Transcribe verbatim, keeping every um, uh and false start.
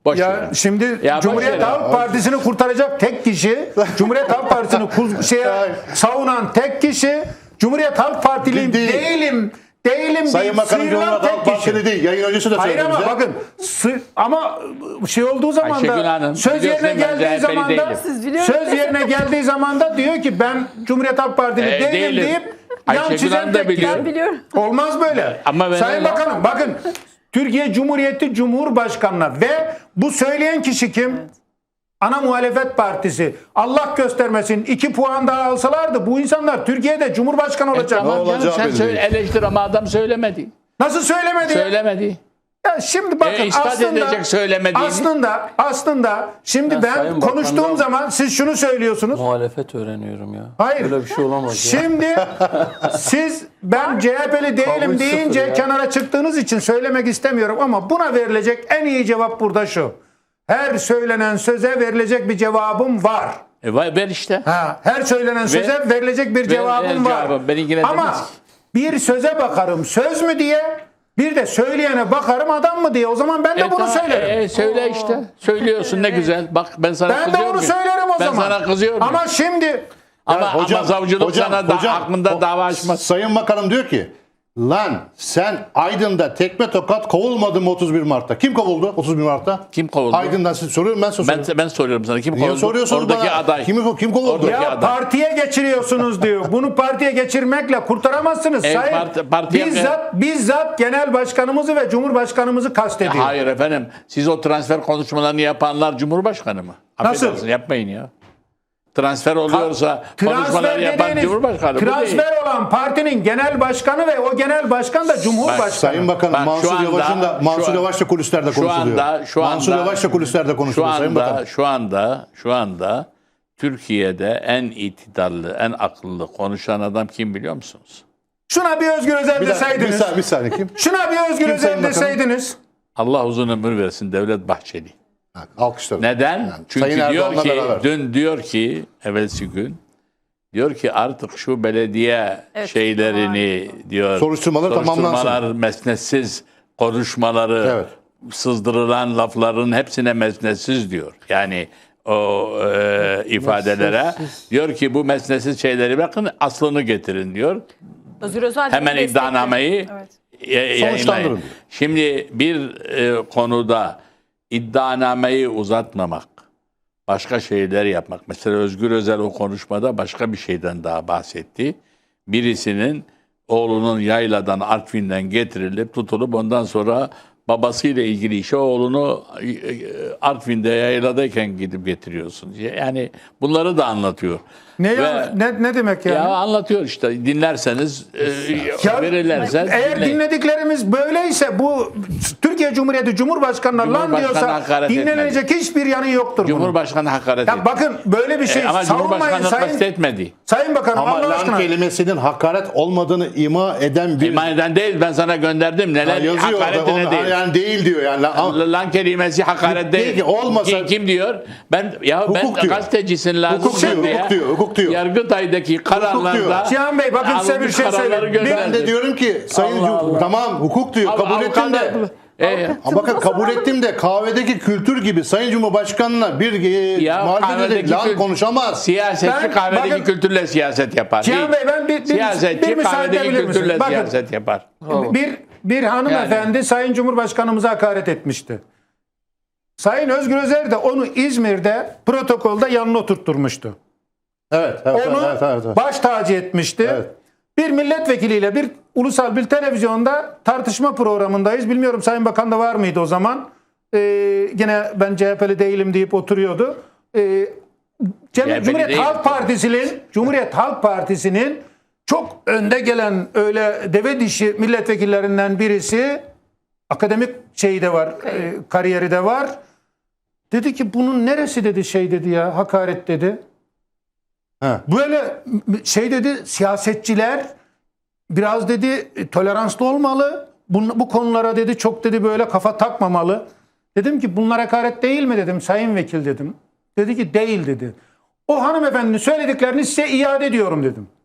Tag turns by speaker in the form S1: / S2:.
S1: Boş
S2: Ya
S1: ver.
S2: şimdi
S1: Ya boş
S2: Cumhuriyet
S1: ver.
S2: Halk Partisi'ni kurtaracak tek kişi, Cumhuriyet Halk Partisi'ni kuz- şeye savunan tek kişi, Cumhuriyet Halk Partiliyim
S3: Değil.
S2: değilim, değilim
S3: Sayın
S2: deyip
S3: Bakanım
S2: sıyrılan
S3: Cumhuriyet Halk
S2: tek
S3: Partili
S2: kişi.
S3: değil. Yayın öncesi de
S2: Hayır
S3: söyledi
S2: ama
S3: bize.
S2: bakın sı- ama şey olduğu zaman
S1: Ayşegül
S2: da
S1: Hanım,
S2: söz
S1: biliyorsun
S2: yerine
S1: ben
S2: geldiği
S1: C H P'li
S2: zaman da
S1: değilim.
S4: Siz biliyorum.
S2: söz yerine geldiği zaman da diyor ki ben Cumhuriyet Halk Partili
S1: E,
S2: değilim,
S1: değilim.
S2: deyip yan
S1: Ayşegül
S2: çizen
S1: Hanım da
S2: tek kişi.
S1: biliyor.
S4: Ben biliyorum.
S2: Olmaz böyle.
S1: Ama ben
S2: Sayın
S1: öyle-
S2: Bakanım bakın Türkiye Cumhuriyeti Cumhurbaşkanı'na ve bu söyleyen kişi kim? Ana muhalefet partisi. Allah göstermesin iki puan daha alsalardı bu insanlar Türkiye'de Cumhurbaşkanı olacak.
S1: Tamam canım,
S3: olacağı
S1: sen
S3: belli
S1: söyle,
S3: değil.
S1: eleştir ama adam söylemedi.
S2: Nasıl söylemedi?
S1: Söylemedi.
S2: Ya şimdi bakın
S1: E, ispat
S2: aslında
S1: edecek söylemediğini.
S2: aslında aslında şimdi
S5: Ben
S2: ben
S5: Sayın
S2: konuştuğum
S5: Bakan'dan-
S2: zaman siz şunu söylüyorsunuz.
S5: Muhalefet öğreniyorum ya.
S2: Hayır.
S5: Böyle bir şey olamaz ya.
S2: Şimdi siz ben C H P'li değilim
S5: Kabul
S2: deyince
S5: sıfır ya.
S2: kenara çıktığınız için söylemek istemiyorum ama buna verilecek en iyi cevap burada şu. Her söylenen söze verilecek bir cevabım var.
S1: E, vay, ver işte.
S2: Ha, her söylenen söze verilecek bir cevabım
S1: ver
S2: var.
S1: cevabı. Beni ilgilendirmez
S2: Ama
S1: ki.
S2: bir söze bakarım söz mü diye, bir de söyleyene bakarım adam mı diye. O zaman ben de
S1: E,
S2: bunu
S1: tamam,
S2: söylerim.
S1: e, söyle işte. Söylüyorsun ne güzel. Bak ben sana
S2: ben de
S1: kızıyor
S2: onu
S1: muyum?
S2: söylerim o
S1: ben
S2: zaman.
S1: sana kızıyorum. Ama,
S2: Ama şimdi
S1: ama,
S3: Hocam,
S1: savcılık
S3: hocam,
S1: sana da
S3: hocam,
S1: aklında
S3: o-
S1: dava açmaz.
S3: Sayın Bakanım diyor ki lan sen Aydın'da tekme tokat kovulmadın mı otuz bir Mart'ta? Kim kovuldu otuz bir Mart'ta?
S1: Kim kovuldu?
S3: Aydın'dan siz soruyorum ben size
S1: Ben,
S3: soruyorum.
S1: ben soruyorum sana kim
S3: Niye
S1: kovuldu?
S3: soruyorsunuz
S1: Oradaki
S3: bana?
S1: aday.
S3: Kim, kim kovuldu?
S1: Oradaki
S2: ya
S1: aday.
S2: partiye geçiriyorsunuz diyor. Bunu partiye geçirmekle kurtaramazsınız.
S1: E,
S2: Sayın
S1: parti- partiye-
S2: bizzat bizzat genel başkanımızı ve cumhurbaşkanımızı kastediyor.
S1: Hayır efendim. Siz o transfer konuşmalarını yapanlar Cumhurbaşkanı mı?
S2: Nasıl?
S1: Affedersin, yapmayın ya. Transfer oluyorsa konuşmaları
S2: Transfer
S1: yapan
S2: dediğiniz
S1: Cumhurbaşkanı. Bu değil.
S2: transfer olan partinin genel başkanı ve o genel başkan da cumhurbaşkanı.
S3: Sayın Bakanım
S1: Bak, şu
S3: Mansur
S1: anda-
S3: Yavaş'ın da
S1: şu
S3: Mansur
S1: an-
S3: Yavaş da kulislerde
S1: Şu
S3: konuşuluyor.
S1: anda, şu anda,
S3: Mansur Yavaş da kulislerde
S1: şu
S3: konuşuluyor Sayın
S1: anda,
S3: Bakanım.
S1: şu anda, şu anda Türkiye'de en itidarlı, en akıllı konuşan adam kim biliyor musunuz?
S2: Şuna bir Özgür Özel
S3: Bir, dakika, bir,
S2: deseydiniz.
S3: saniye, bir saniye kim?
S2: Şuna bir Özgür
S3: Kim
S2: Özel
S3: Sayın Bakanım?
S2: deseydiniz.
S1: Allah uzun ömür versin Devlet Bahçeli.
S3: Ha, alkışlarım.
S1: Neden?
S3: Yani
S1: Çünkü
S3: Sayın
S1: diyor
S3: Erdoğan'la
S1: ki,
S3: beraber.
S1: dün diyor ki, evvelsi gün, diyor ki artık şu belediye
S4: Evet,
S1: şeylerini diyor,
S3: Soruşturmalar
S1: soruşturmalar, mesnetsiz konuşmaları,
S3: Evet.
S1: sızdırılan lafların hepsine mesnetsiz diyor. Yani o e, ifadelere
S5: Mesnetsiz.
S1: diyor ki bu mesnetsiz şeyleri bakın aslını getirin diyor.
S4: Özgür Özel
S1: Hemen
S4: bunu destekliyor.
S1: iddianameyi
S4: Evet.
S1: ya-
S3: Sonuçlandırın
S1: yayınlayın.
S3: diyor.
S1: Şimdi bir e, konuda iddianameyi uzatmamak, başka şeyler yapmak. Mesela Özgür Özel o konuşmada başka bir şeyden daha bahsetti. Birisinin oğlunun yayladan, Artvin'den getirilip tutulup ondan sonra babasıyla ilgili işe oğlunu e, e, Artvin'de yayladayken gidip getiriyorsun. Yani bunları da anlatıyor.
S2: Ne,
S1: Ve-
S2: ya, ne, ne demek yani?
S1: ya anlatıyor işte dinlerseniz e,
S2: Ya,
S1: verirlerse
S2: eğer
S1: dinleyin.
S2: dinlediklerimiz böyleyse bu Türkiye Cumhuriyeti Cumhurbaşkanı'na lan
S1: Cumhurbaşkanı
S2: diyorsa
S1: hakaret
S2: dinlenecek hiçbir yanı yoktur bunun.
S1: Cumhurbaşkanı hakaret
S2: Ya
S1: etti.
S2: bakın böyle bir şey
S1: E, ama
S2: savunmayın
S1: Cumhurbaşkanı
S2: Sayın,
S1: kastetmedi.
S2: Sayın Bakanım
S3: Ama
S2: Allah
S3: lan
S2: aşkına.
S3: kelimesinin hakaret olmadığını ima eden bir
S1: İman eden değil ben sana gönderdim.
S3: Ha,
S1: Neler
S3: yazıyor orada.
S1: hakaretine
S3: Onu-
S1: değil.
S3: yani değil diyor yani. Lan-
S1: Lan kelimesi hakaret değil.
S3: Peki, olmasa-
S1: Kim, kim diyor? Ben ya ben
S3: Hukuk diyor.
S1: gazetecisin lazım.
S3: Hukuk diyor,
S1: diye
S3: hukuk diyor, hukuk diyor.
S1: Yargıtay'daki kararlarda
S2: Cihan Bey, bakın size bir
S1: alınmış
S2: şey
S1: kararları
S2: söyleyeyim.
S1: gönderdi.
S3: Ben de diyorum ki Sayın
S1: Allah Allah.
S3: tamam hukuk diyor.
S1: Av-
S3: Kabul ettim de.
S1: avukatlar- E,
S3: Ama bakın kabul ettim de kahvedeki kültür gibi Sayın Cumhurbaşkanı'na bir e,
S1: ya
S3: muhalefet
S1: kahvedeki
S3: edip lan
S1: kül-
S3: konuşamaz.
S1: Siyasetçi
S2: Ben-
S1: kahvedeki
S2: bakın-
S1: kültürle siyaset yapar.
S2: Cihan
S1: Değil.
S2: Bey, ben bir- bir-
S1: Siyasetçi
S2: bir müsaade
S1: kahvedeki
S2: edebilir misiniz?
S1: kültürle
S2: Bakın.
S1: siyaset yapar.
S2: Bir, bir hanımefendi Sayın Cumhurbaşkanımıza hakaret etmişti. Sayın Özgür Özel de onu İzmir'de protokolda yanına oturtturmuştu.
S3: Evet, evet,
S2: Onu
S3: evet, evet, evet.
S2: baş tacı etmişti.
S3: Evet.
S2: Bir milletvekiliyle bir ulusal bir televizyonda tartışma programındayız. Bilmiyorum Sayın Bakan da var mıydı o zaman? Ee, gene ben C H P'li değilim deyip oturuyordu. Ee, Cem-
S1: C H P'li
S2: Cumhuriyet
S1: değil.
S2: Halk Partisi'nin Cumhuriyet Halk Partisi'nin çok önde gelen öyle deve dişi milletvekillerinden birisi, akademik şeyi de var, e, kariyeri de var. Dedi ki bunun neresi dedi şey dedi ya, hakaret dedi.
S3: Ha.
S2: Böyle şey dedi, siyasetçiler biraz dedi toleranslı olmalı. Bu, bu konulara dedi çok dedi böyle kafa takmamalı. Dedim ki bunlar hakaret değil mi dedim sayın vekil dedim. Dedi ki değil dedi. O hanımefendinin söylediklerini size iade ediyorum dedim.